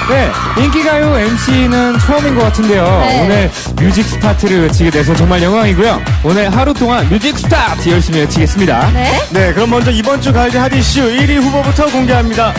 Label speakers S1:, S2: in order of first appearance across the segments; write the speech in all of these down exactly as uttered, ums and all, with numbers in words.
S1: 네, 인기가요 엠씨는 처음인 것 같은데요.
S2: 네.
S1: 오늘 뮤직 스타트를 외치게 돼서 정말 영광이고요. 오늘 하루 동안 뮤직 스타트 열심히 외치겠습니다.
S2: 네.
S3: 네, 그럼 먼저 이번 주 가요제 핫 이슈 일 위 후보부터 공개합니다.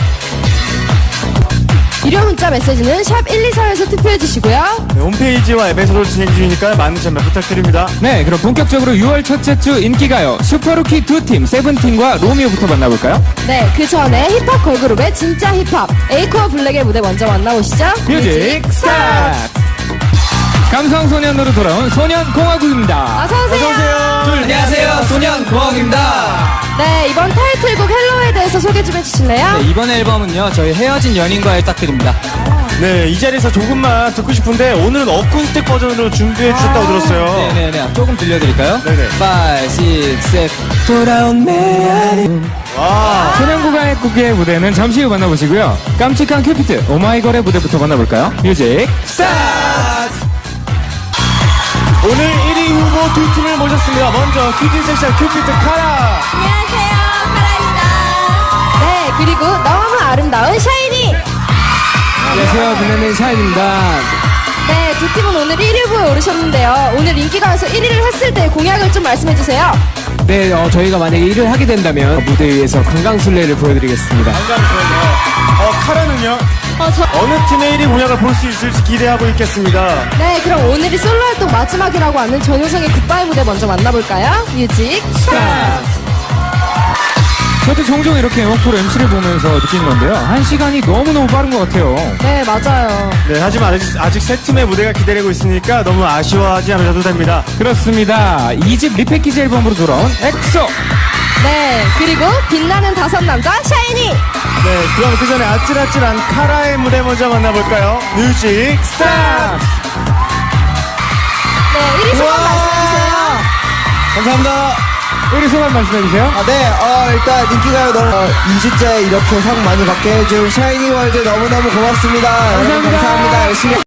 S2: 유료 문자 메시지는 샵 일이사에서 투표해주시고요.
S3: 네, 홈페이지와 앱에서도 진행 중이니까 많은 참여 부탁드립니다.
S1: 네, 그럼 본격적으로 유월 첫째 주 인기가요 슈퍼루키 두 팀 세븐틴과 로미오부터 만나볼까요?
S2: 네, 그 전에 힙합 걸그룹의 진짜 힙합 에이코어 블랙의 무대 먼저 만나보시죠.
S1: 뮤직 스타트! 감성소년으로 돌아온 소년공화국입니다.
S2: 어서오세요.
S4: 안녕하세요, 소년공학입니다.
S2: 네, 이번 타이틀곡 헬로에 대해서 소개 좀 해주실래요?
S4: 네, 이번 앨범은요, 저희 헤어진 연인과의 딱들입니다.
S3: 네, 이 자리에서 조금만 듣고 싶은데 오늘은 어쿠스틱 버전으로 준비해 주셨다고 들었어요.
S4: 네네네, 조금 들려드릴까요?
S3: 네네.
S4: 오, 육, 칠 돌아온 메아리.
S3: 와,
S1: 소년공화국의 무대는 잠시 후 만나보시고요. 깜찍한 큐피트 오마이걸의 무대부터 만나볼까요? 뮤직 스타트!
S3: 오늘 일 위 후보 두 팀을 모셨습니다. 먼저 큐티 섹션 큐피트 카라.
S2: 안녕하세요, 카라입니다. 네, 그리고 너무 아름다운 샤이니.
S4: 안녕하세요, 빛나는 샤인입니다.
S2: 네, 두 팀은 오늘 일 위 후보에 오르셨는데요. 오늘 인기가요에서 일 위를 했을 때 공약을 좀 말씀해주세요.
S4: 네, 어, 저희가 만약에 일을 하게 된다면 무대 위에서 강강술래를 보여드리겠습니다.
S3: 감사합니다. 어, 카라는요?
S2: 어, 저...
S3: 어느 팀의 일 위 공약을 볼 수 있을지 기대하고 있겠습니다.
S2: 네, 그럼 오늘이 솔로 활동 마지막이라고 하는 전효성의 굿바이 무대 먼저 만나볼까요? 뮤직 스타트!
S1: 저도 종종 이렇게 음악 프로 엠씨를 보면서 느끼는 건데요. 한 시간이 너무너무 빠른 것 같아요.
S2: 네, 맞아요.
S3: 네, 하지만 아직, 아직 세 팀의 무대가 기다리고 있으니까 너무 아쉬워하지 않으셔도 됩니다.
S1: 그렇습니다. 이 집 리패키지 앨범으로 돌아온 엑소!
S2: 네, 그리고 빛나는 다섯 남자 샤이니.
S3: 네, 그럼 그 전에 아찔아찔한 카라의 무대 먼저 만나볼까요? 뮤직 스타트!
S2: 네, 일 위 소감 말씀해주세요.
S4: 감사합니다.
S1: 우리 소감 말씀해주세요.
S5: 아, 네, 어, 일단 인기가요 너무, 어, 이 주째 이렇게 상 많이 받게 해준 샤이니월드 너무너무 고맙습니다. 여러분
S1: 감사합니다.
S5: 감사합니다. 열심히